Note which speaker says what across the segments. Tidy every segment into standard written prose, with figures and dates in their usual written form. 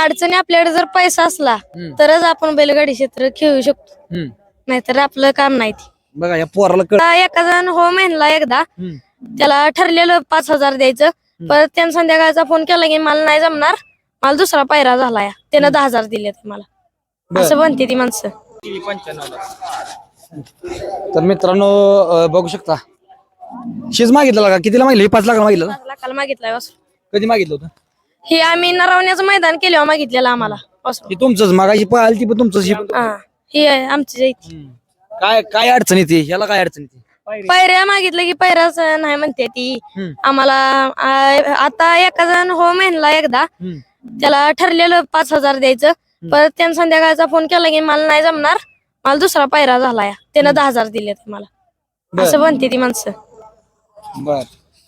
Speaker 1: अडचणी आपल्याकडे जर पैसा असला
Speaker 2: हम्म.
Speaker 1: तरच आपण बैलगाडी क्षेत्र खेळू शकतो, नाहीतर आपलं काम नाही ते.
Speaker 2: बघा या पोराला कळ
Speaker 1: आता एका जण हो म्हणला एकदा, त्याला ठरलेलं 5,000 द्यायचं, परत त्यानं संध्याकाळचा फोन केला की मला नाही जमणार, मला दुसरा पायरा झालाय, त्यानं 10,000 दिले मला, असं म्हणते ती माणसं.
Speaker 2: तर मित्रांनो बघू शकता शीज मागितलं का कितीला मागितलं 5 लाख मागितलं ना?
Speaker 1: 5 लाखाला मागितलाय वासरू.
Speaker 2: कधी मागितलं होतं
Speaker 1: हे आम्ही नरवण्याचं मैदान केल्यावर मागितलेलं आम्हाला वासरू.
Speaker 2: हे तुमचंच मागायची पळाली ती पण तुमचंच ही पण.
Speaker 1: हा, ही आहे आमची इथे.
Speaker 2: काय काय अडचण येते ह्याला काय अडचण येते
Speaker 1: पायऱ्या मागितलं की पायऱ्याच नाही म्हणते ती आम्हाला. आता एका जण हो म्हणला एकदा, त्याला ठरलेलं 5,000 द्यायचं, परत त्यानं संध्याकाळचा फोन केला की मला नाही जमणार, मला दुसरा पायरा झालाय, त्यानं 10,000 दिले मला, असं म्हणते ती माणसं.
Speaker 2: बर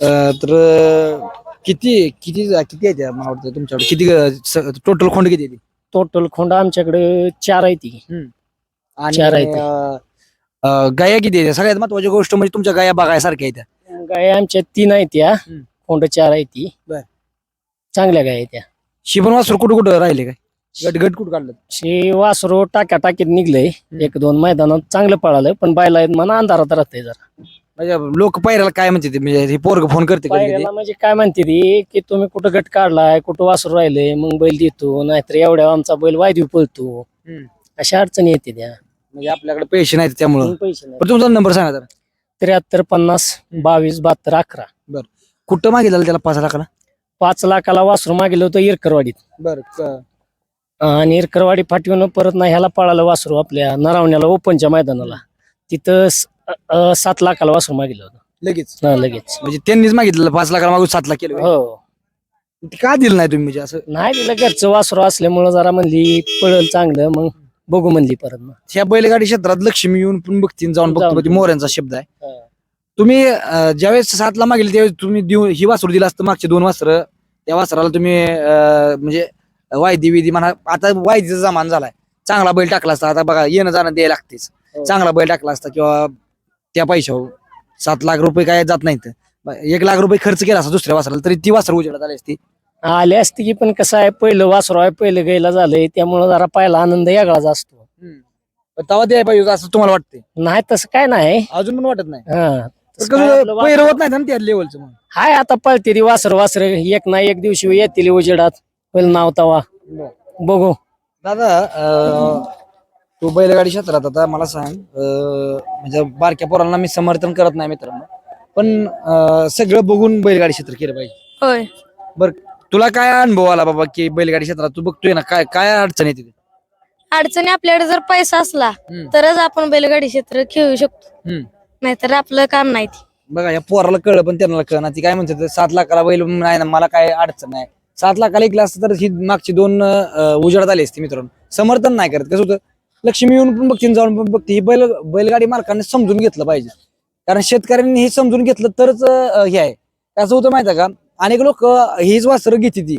Speaker 2: तर किती किती किती आहे मला वाटतं तुमच्याकडे किती टोटल खोंड किती आहे
Speaker 3: टोटल खोंड आमच्याकडे 4 आहे ती.
Speaker 2: आणि
Speaker 3: 4 आहेत.
Speaker 2: गाया किती आहे सगळ्यात महत्वाची गोष्ट म्हणजे तुमच्या गाया बघायसारख्या आहेत त्या.
Speaker 3: गाय आमच्या 3 आहेत त्या, खोंड 4 आहे ती.
Speaker 2: बर.
Speaker 3: चांगल्या गाय आहेत त्या.
Speaker 2: शिबन वासर कुठं कुठं राहिले काय गट गट कुठं काढलं
Speaker 3: शे वासरो टाकीत निघलंय, 1-2 मैदानात चांगलं पळालं, पण बायला आहेत म्हणा अंधारात राहतंय जरा.
Speaker 2: म्हणजे लोक पायऱ्याला काय म्हणते ते म्हणजे हे पोरग फोन करते कधी कधी.
Speaker 3: पायऱ्याला म्हणजे काय म्हणते ती की तुम्ही कुठं गट काढलाय, कुठं वासरू राहिले, मग बैल देतो, नाहीतर एवढ्या आमचा बैल वायदू पळतो, अशा अडचणी येते त्या.
Speaker 2: म्हणजे आपल्याकडे पैसे नाहीत त्यामुळं.
Speaker 3: पैसे नाही.
Speaker 2: पण तुमचा नंबर सांगा जरा.
Speaker 3: 73 50 22 72 11.
Speaker 2: कुठं मागितलं त्याला 5 लाखाला
Speaker 3: 5 लाखाला वासरू मागेलं होतं इरकरवाडीत,
Speaker 2: बरं
Speaker 3: आणि इरकरवाडी फाटीवरून परत ना ह्याला पळालं वासरू आपल्या नरावण्याला ओपनच्या मैदानाला, तिथं 7 लाखाला वासरू मागितलं होतं
Speaker 2: लगेच.
Speaker 3: लगेच.
Speaker 2: म्हणजे त्यांनीच मागितलं 5 लाखाला मागून 7 लाख केलं
Speaker 3: हो,
Speaker 2: ते का दिलं नाही तुम्ही म्हणजे असं.
Speaker 3: नाही तिला घरचं वासरू असल्यामुळं जरा म्हणली पळल चांगलं, मग बघू म्हणली परत मग.
Speaker 2: ह्या बैलगाडी क्षेत्रात लक्ष्मी येऊन पण बघतील जाऊन बघतो
Speaker 3: जाऊन.
Speaker 2: मोऱ्यांचा शब्द आहे.
Speaker 3: हा.
Speaker 2: तुम्ही ज्यावेळेस 7 ला मागितले त्यावेळेस तुम्ही ही वासरू दिला असतं मागचे 2 वासरं त्या वासराला तुम्ही म्हणजे वायदी विधी म्हणा, आता वायदीचा जमान झालाय, चांगला बैल टाकला असता, आता बघा येणं जाणं द्यायला लागतेच, चांगला बैल टाकला असता किंवा त्या पैशावर 7 लाख रुपये काय जात नाहीत, 1 लाख रुपये खर्च केला असता दुसऱ्या वासराला तरी ती वासर उजेडात आली असती.
Speaker 3: आले असते की, पण कसं आहे पहिलं वासरू आहे, पहिलं गायला झालंय, त्यामुळं जरा पहिला आनंद वेगळाच असतो.
Speaker 2: तेव्हा द्यायला पाहिजे असं तुम्हाला वाटते.
Speaker 3: नाही तसं काय नाही.
Speaker 2: अजून पण वाटत नाही.
Speaker 3: हा, तसं काय आपलं
Speaker 2: पैर होत नाही ना त्या लेवलचं मग.
Speaker 3: हाय आता पळते ती वासर एक ना एक दिवशी येतील उजेडात, पहिलं नाव तवा बघू.
Speaker 2: दादा तू बैलगाडी क्षेत्रात आता मला सांग, म्हणजे बारक्या पोरांना मी समर्थन करत नाही मित्रांनो, पण सगळं बघून बैलगाडी क्षेत्र केलं पाहिजे.
Speaker 1: होय,
Speaker 2: बर तुला काय अनुभव आला बाबा की बैलगाडी क्षेत्रात तू बघतोय ना काय काय अडचण येते
Speaker 1: अडचणी आपल्याकडे जर पैसा असला तरच आपण बैलगाडी क्षेत्र खेळू शकतो, नाहीतर आपलं काम नाही ते.
Speaker 2: बघा या पोराला कळलं पण त्यांना कळना, ती काय म्हणते 7 लाखाला बैल नाही ना मला काय अडचण नाही, 7 लाखाला एक असतं तर ही मागची 2 उजेडात आली असती मित्रांनो. समर्थन नाही करत, कसं होतं लक्ष्मी येऊन पण बघते जाऊन पण बघते, ही बैलगाडी मालकांनी समजून घेतलं पाहिजे, कारण शेतकऱ्यांनी हे समजून घेतलं तरच हे आहे. कसं होतं माहिती आहे का, अनेक लोक हीच वासरं घेते ती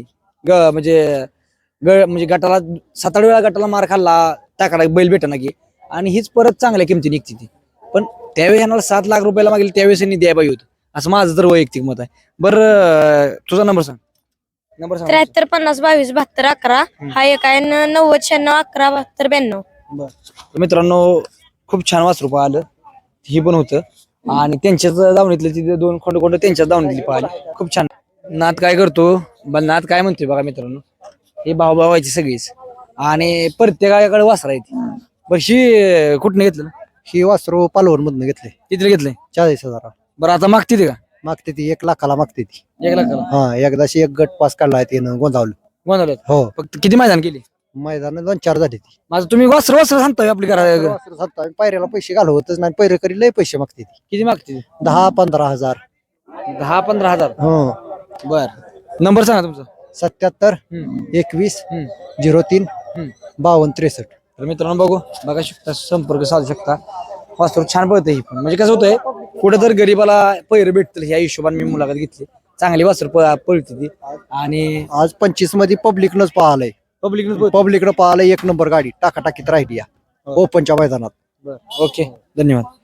Speaker 2: म्हणजे गटाला 7-8 वेळा गटाला मार खाल्ला टाकाडा बैल भेटना की, आणि हीच परत चांगल्या किमती निघते ती. पण त्यावेळी ह्याला 7 लाख रुपयाला मागेल त्यावेळेस यांनी द्यायला पाहिजे होतं, असं माझं तर वैयक्तिक मत आहे. बरं तुझा नंबर सांग.
Speaker 1: 73 50 22 72 11. हा एक आहे 90 96 11 72 92.
Speaker 2: बरं मित्रांनो खूप छान वासरू पाहिलं ही पण होतं, आणि त्यांच्याच दावणीतले तिथे 2 खोंड त्यांच्याच दावणीतली पाहिली, खूप छान. नात काय करतो नात काय म्हणतोय बघा मित्रांनो, हे भाऊभावायची सगळीच, आणि प्रत्येकाकडे वासरा येते. बरं ही कुठनं घेतलं
Speaker 4: ही वासरू पालवण मधनं घेतले,
Speaker 2: किती घेतलंय
Speaker 4: 40,000.
Speaker 2: बरं आता मागते ते का
Speaker 4: मागते ती 1 लाखाला मागते ती.
Speaker 2: 1 लाखाला
Speaker 4: हा, एकदाशी एक गट पास काढलाय त्यानं गोंधावलं.
Speaker 2: गोंधळात
Speaker 4: हो,
Speaker 2: फक्त किती मैदान केली
Speaker 4: मैदान 2-4 झाली ती.
Speaker 2: माझं तुम्ही वासर सांगताय आपली घरा
Speaker 4: वासरू सांगतो आम्ही, पायऱ्याला पैसे घालवतच नाही, पैरे करी लय पैसे मागते ती.
Speaker 2: किती मागते
Speaker 4: 10-15,000.
Speaker 2: 10-15 हजार.
Speaker 4: हो,
Speaker 2: बर नंबर सांगा तुमचा.
Speaker 4: 77 21 03 52 63.
Speaker 2: तर मित्रांनो बघा शकता, संपर्क साधू शकता. वासरू छान पळतं ही पण, म्हणजे कसं होतंय कुठं तर गरीबाला पैर भेटतील ह्या हिशोबाने मी मुलाखत घेतली. चांगली वासरू पळते ती, आणि
Speaker 4: आज 25 मध्ये पब्लिकनच पाहिलंय, पब्लिकनं पाहिलंय 1 नंबर गाडी टाकाटाकीत राहिली या ओपनच्या मैदानात.
Speaker 2: ओके धन्यवाद.